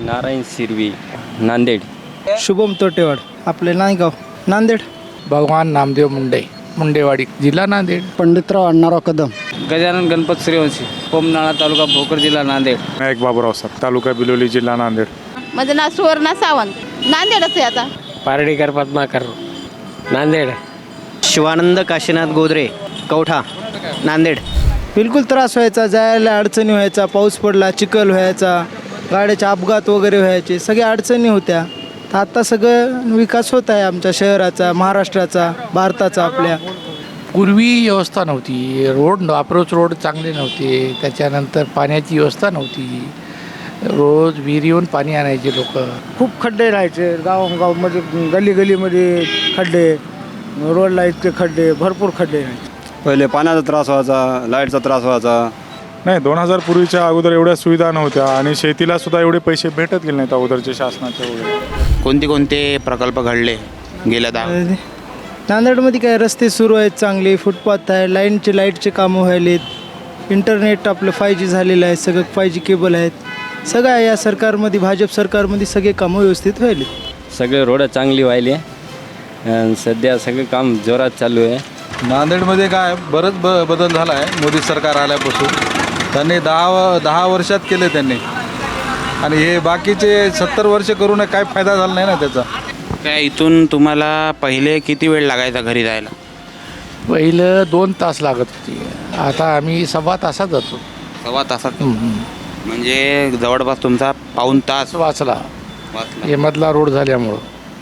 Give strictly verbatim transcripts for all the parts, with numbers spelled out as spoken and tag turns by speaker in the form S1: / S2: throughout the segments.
S1: नारायण सिरवी, नांदेड.
S2: शुभम तोटेवाड, आपले नायगाव, नांदेड.
S3: भगवान नामदेव मुंडे, मुंडेवाडी, जिल्हा नांदेड.
S2: पंडितराव अण्णाराव कदम.
S1: गजानन गणपत सूर्यवंशी, कोमनाळा तालुका भोकर, जिल्हा नांदेड.
S4: नायक बाबूराव सर, तालुका बिलोली, जिल्हा नांदेड.
S5: माझं नाव सुवर्णा सावंत, नांदेडच आहे आता.
S6: पारडीकर पद्माकर, नांदेड.
S7: शिवानंद काशीनाथ गोदरे, कवठा, नांदेड.
S2: बिलकुल त्रास व्हायचा, जायला अडचणी व्हायचा, पाऊस पडला चिखल व्हायचा, गाड्याचे अपघात वगैरे व्हायचे, सगळ्या अडचणी होत्या. तर आता सगळं विकास होत आहे आमच्या शहराचा, महाराष्ट्राचा, भारताचा. आपल्या
S3: पूर्वी व्यवस्था नव्हती, रोड अप्रोच रोड चांगले नव्हते, त्याच्यानंतर पाण्याची व्यवस्था नव्हती. रोज विहिरीहून पाणी आणायचे लोक.
S2: खूप खड्डे राहायचे गावगावमध्ये, गली गलीमध्ये खड्डे, रोडला इतके खड्डे, भरपूर खड्डे राहायचे.
S8: पहिले पाण्याचा त्रास व्हायचा, लाईटचा त्रास व्हायचा.
S4: नाही, दोन हजार पूर्वीच्या अगोदर एवढ्या सुविधा नव्हत्या आणि शेतीला सुद्धा एवढे पैसे भेटत गेले नाहीत अगोदरचे शासनाचे वगैरे.
S7: कोणते कोणते प्रकल्प घडले गेल्या दहा?
S2: नांदेडमध्ये काय रस्ते सुरू आहेत चांगले, फुटपाथ आहे, लाईनचे लाईटचे कामं व्हायलेत, इंटरनेट आपलं फाय जी झालेलं आहे, सगळं फाय जी केबल आहेत. सगळं या सरकारमध्ये, भाजप सरकारमध्ये सगळे कामं व्यवस्थित व्हायले.
S1: सगळे रोड चांगली व्हायली आणि सध्या सगळं काम जोरात चालू आहे.
S9: नांदेडमध्ये काय बरंच ब बदल झाला आहे मोदी सरकार आल्यापासून. त्यांनी दहा दहा वर्षात केले त्यांनी, आणि हे बाकीचे सत्तर वर्ष करून काय फायदा झाला नाही ना त्याचा.
S7: काय इथून तुम्हाला पहिले किती वेळ लागायचा घरी जायला?
S3: पहिलं दोन तास लागत होती, आता आम्ही सव्वा तासात जातो.
S7: सव्वा तासात? म्हणजे जवळपास तुमचा पाऊण तास
S3: वाचला
S7: वाचला.
S3: हे मधला रोड झाल्यामुळं.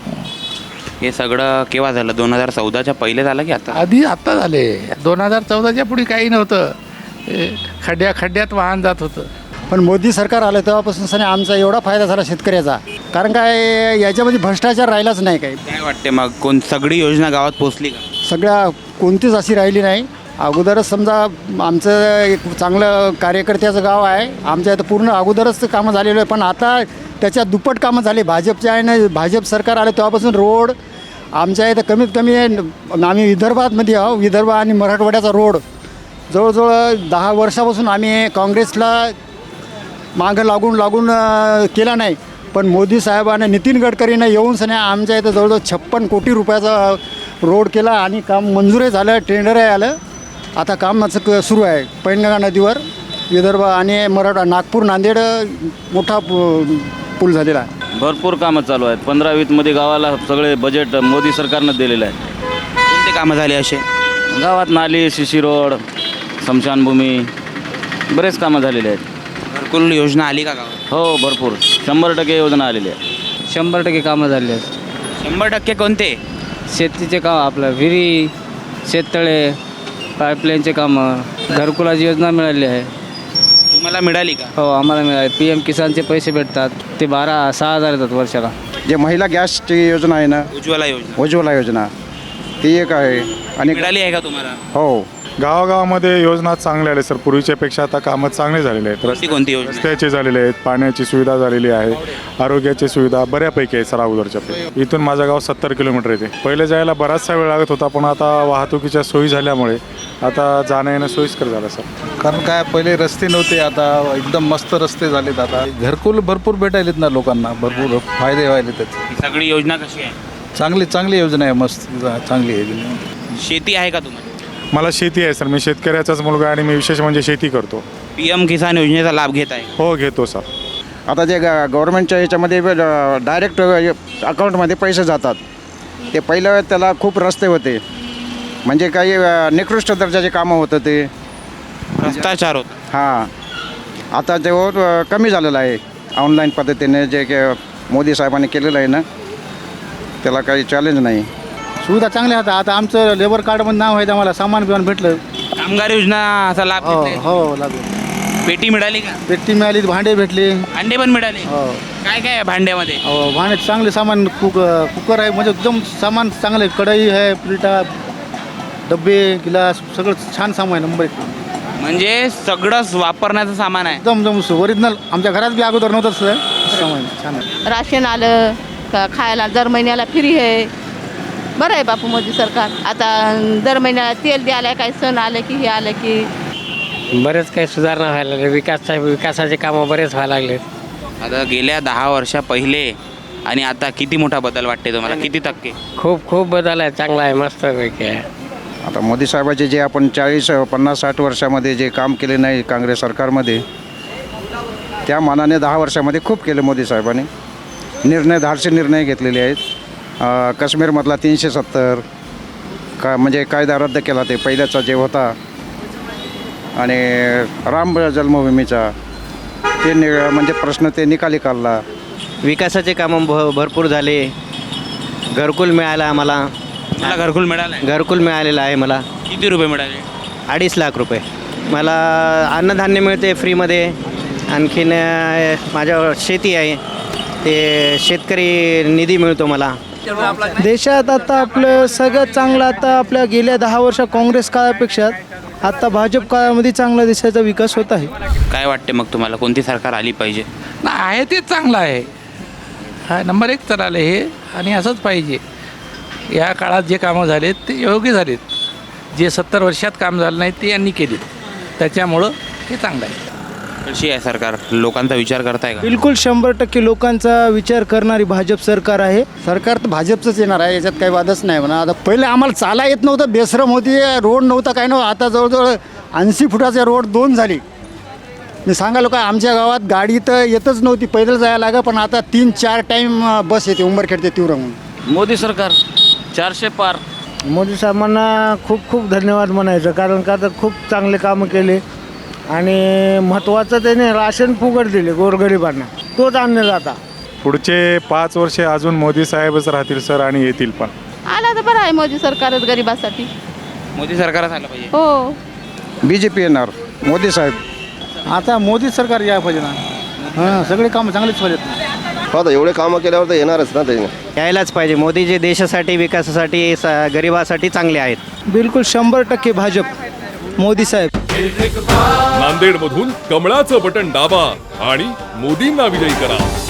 S7: हे सगळं केव्हा झालं? दोन हजार चौदाच्या पहिले झालं की आता?
S3: आधी आत्ता झाले. दोन हजार चौदाच्या पुढे काही नव्हतं, हे खड्ड्या खड्ड्यात वाहन जात होतं.
S2: पण मोदी सरकार आलं तेव्हापासून सने आमचा एवढा फायदा झाला शेतकऱ्याचा, कारण काय याच्यामध्ये भ्रष्टाचार राहिलाच नाही. काही
S7: काय वाटते मग, कोण सगळी योजना गावात पोहोचली का?
S2: सगळ्या कोणतीच अशी राहिली नाही. अगोदरच समजा आमचं एक चांगलं कार्यकर्त्याचं गाव आहे, आमच्या इथं पूर्ण अगोदरच कामं झालेलं आहे, पण आता त्याच्यात दुप्पट कामं झाले. भाजपच्या आहे ना, भाजप सरकार आलं तेव्हापासून रोड आमच्या इथं कमीत कमी आम्ही विदर्भातमध्ये आहो, विदर्भ आणि मराठवाड्याचा रोड जवळजवळ दहा वर्षापासून आम्ही काँग्रेसला मागं लागून लागून केला नाही, पण मोदी साहेबांना, नितीन गडकरीनं येऊन सने आमच्या इथं जवळजवळ छप्पन कोटी रुपयाचा रोड केला आणि काम मंजूरही झालं, टेंडरही आलं. आता कामाचं क सुरू आहे. पैनगंगा नदीवर विदर्भ आणि मराठा, नागपूर नांदेड मोठा पूल झालेला आहे.
S1: भरपूर कामं चालू आहेत. पंधरा वीसमध्ये गावाला सगळे बजेट मोदी सरकारनं दिलेलं आहे.
S7: कोणते कामं झाले असे?
S1: गावात नाली, शिशी रोड, स्मशानभूमी, बरेच कामं झालेले आहेत.
S7: घरकुल योजना आली का गावात?
S1: हो, भरपूर, शंभर टक्के योजना आलेली आहे.
S6: शंभर टक्के कामं झाली आहेत.
S7: शंभर टक्के कोणते?
S6: शेतीचे काम, आपलं विहिरी, शेततळे, पाईपलाईनचे कामं, घरकुलाची योजना मिळाली आहे.
S7: तुम्हाला मिळाली का?
S6: हो, आम्हाला मिळाले. पी एम किसानचे पैसे भेटतात, ते बारा सहा हजार येतात वर्षाला.
S8: जे महिला गॅसची योजना आहे ना,
S7: उज्ज्वला योजना,
S8: उज्ज्वला योजना, ती एक आहे. आणि
S7: मिळाली आहे का तुम्हाला?
S8: हो,
S4: गावागावामध्ये योजना चांगल्या आल्या सर, पूर्वीच्या पेक्षा आता कामं चांगले झालेले आहेत.
S7: कोणती कोणती योजना?
S4: रस्त्याचे झालेले आहेत, पाण्याची सुविधा झालेली आहे, आरोग्याची सुविधा बऱ्यापैकी आहे सर अगोदरच्या. इथून माझं गाव सत्तर किलोमीटर येते. पहिले जायला बराचसा वेळ लागत होता, पण आता वाहतुकीच्या सोयी झाल्यामुळे आता जाणं येणं सोयीस्कर झालं सर.
S9: कारण काय पहिले रस्ते नव्हते, आता एकदम मस्त रस्ते झालेत. आता घरकुल भरपूर भेटायलेत ना लोकांना, भरपूर फायदे व्हायले त्याचे.
S7: ही सगळी योजना कशी आहे?
S9: चांगली चांगली योजना आहे, मस्त चांगली आहे.
S7: शेती आहे का तुम्हाला?
S4: मला शेती आहे सर, मी शेतकऱ्याचाच मुलगा आहे आणि मी विशेष म्हणजे शेती करतो.
S7: पी एम किसान योजनेचा लाभ घेत आहे?
S4: हो, घेतो सर.
S8: आता जे गव्हर्नमेंटच्या ह्याच्यामध्ये डायरेक्ट अकाउंटमध्ये पैसे जातात. ते पहिलं त्याला खूप रस्ते होते, म्हणजे काही निकृष्ट दर्जाचे कामं होतं, ते
S7: भ्रष्टाचार होता.
S8: हां, आता ते कमी झालेलं आहे. ऑनलाईन पद्धतीने जे मोदी साहेबांनी केलेलं आहे ना, त्याला काही चॅलेंज नाही.
S2: सुविधा चांगल्या होत्या. आता आमचं लेबर कार्डमध्ये नाव आहे, आम्हाला सामान बिमान भेटलं.
S7: कामगार योजनाचा लाभ
S2: हो
S7: घेतलाय?
S2: हो लागू.
S7: पेटी मिळाली का?
S2: पेटी मिळाली, भांडे भेटले.
S7: भांडे पण मिळाले?
S2: हो
S7: काय काय आहे भांड्यामध्ये?
S2: हो, भांडे चांगले सामान, कुक कुकर आहे, म्हणजे एकदम सामान चांगलं आहे. कढई आहे, प्लेटा, डब्बे, गिलास, सगळं छान सामान आहे, नंबर एक.
S7: म्हणजे सगळंच वापरण्याचं सामान आहे?
S2: एकदम एकदम ओरिजिनल. आमच्या घरात बी अगोदर नव्हतं सामान, छान आहे.
S5: राशन आलं का, खायला दर महिन्याला फ्री आहे. बरं आहे बापू मोदी सरकार. आता दर महिन्याला तेल द्यायला, काही सण आले की हे आलं की
S6: बरेच काही सुधारणा व्हायला लागले. विकास विकासाचे कामं बरेच व्हायला लागले.
S7: आता गेल्या दहा वर्षा पहिले आणि आता किती मोठा बदल वाटते तुम्हाला, किती टक्के?
S6: खूप खूप बदल आहे, चांगला आहे, मस्तपैकी आहे.
S8: आता मोदी साहेबाचे जे आपण चाळीस पन्नास साठ वर्षामध्ये जे काम केले नाही काँग्रेस सरकारमध्ये, त्या मानाने दहा वर्षामध्ये खूप केले मोदी साहेबांनी. निर्णय धाडसी निर्णय घेतलेले आहेत. अ, काश्मीरमधला तीनशे सत्तर का म्हणजे कायदा रद्द केला ते पहिल्याचा जे होता, आणि राम जन्मभूमीचा ते नि म्हणजे प्रश्न ते निकाली काढला.
S6: विकासाचे कामं भ भरपूर झाले. घरकुल मिळालं आम्हाला.
S7: मला घरकुल मिळालं आहे.
S6: घरकुल मिळालेलं आहे मला.
S7: किती रुपये मिळाले?
S6: अडीच लाख रुपये. मला अन्नधान्य मिळते फ्रीमध्ये. आणखीन अ, माझ्या शेती आहे, ते शेतकरी निधी मिळतो मला.
S10: देशात आता आपलं सगळ्यात चांगलं, आता आपल्या गेल्या दहा वर्ष काँग्रेस काळापेक्षा आता भाजप काळामध्ये चांगला देशाचा विकास होत आहे.
S7: काय वाटते मग तुम्हाला, कोणती सरकार आली पाहिजे?
S3: ना आहे तेच चांगलं आहे. हा नंबर एक तर आलं हे, आणि असंच पाहिजे. या काळात जे कामं झालेत ते योग्य झालेत. जे सत्तर वर्षात काम झालं नाही ते यांनी केले, त्याच्यामुळं हे चांगलं आहे.
S7: कशी आहे सरकार, लोकांचा विचार करताय का?
S10: बिलकुल शंभर टक्के लोकांचा विचार करणारी भाजप सरकार आहे.
S2: सरकार तर भाजपचंच येणार आहे, याच्यात काही वादच नाही म्हणा. आता पहिले आम्हाला चाला येत नव्हतं, बेसरम होती, रोड नव्हता, काय नव्हतं. आता जवळजवळ ऐंशी फुटाचे रोड दोन झाली. मी सांगालो का, आमच्या गावात गाडी तर येतच नव्हती, पैदल जायला लागा, पण आता तीन चार टाईम बस येते उंबरखेड ते तीव्र म्हणून.
S1: मोदी सरकार चारशे पार.
S10: मोदी साहेबांना खूप खूप धन्यवाद म्हणायचं, कारण का तर खूप चांगले कामं केले. आणि महत्त्वाचं त्याने राशन फुकट दिले गोरगरिबांना, तोच आणले जाता.
S4: पुढचे पाच वर्षे अजून मोदी साहेबच राहतील सर, आणि येतील पण.
S5: आला तर बरं आहे मोदी सरकारच गरिबासाठी.
S7: मोदी सरकारच आलं पाहिजे.
S5: हो,
S8: बी जे पी येणार, मोदी साहेब.
S2: आता मोदी सरकार या पाहिजे ना. हां, सगळे कामं चांगलेच पाहिजेत.
S11: हो, आता एवढे कामं केल्यावर तर येणारच ना त्याने.
S6: यायलाच पाहिजे. मोदी जे देशासाठी, विकासासाठी, स गरिबासाठी चांगले आहेत.
S10: बिलकुल शंभर टक्के भाजप, मोदी साहेब.
S12: नांदेडमधून कमळाचं बटन दाबा आणि मोदींना विजयी करा.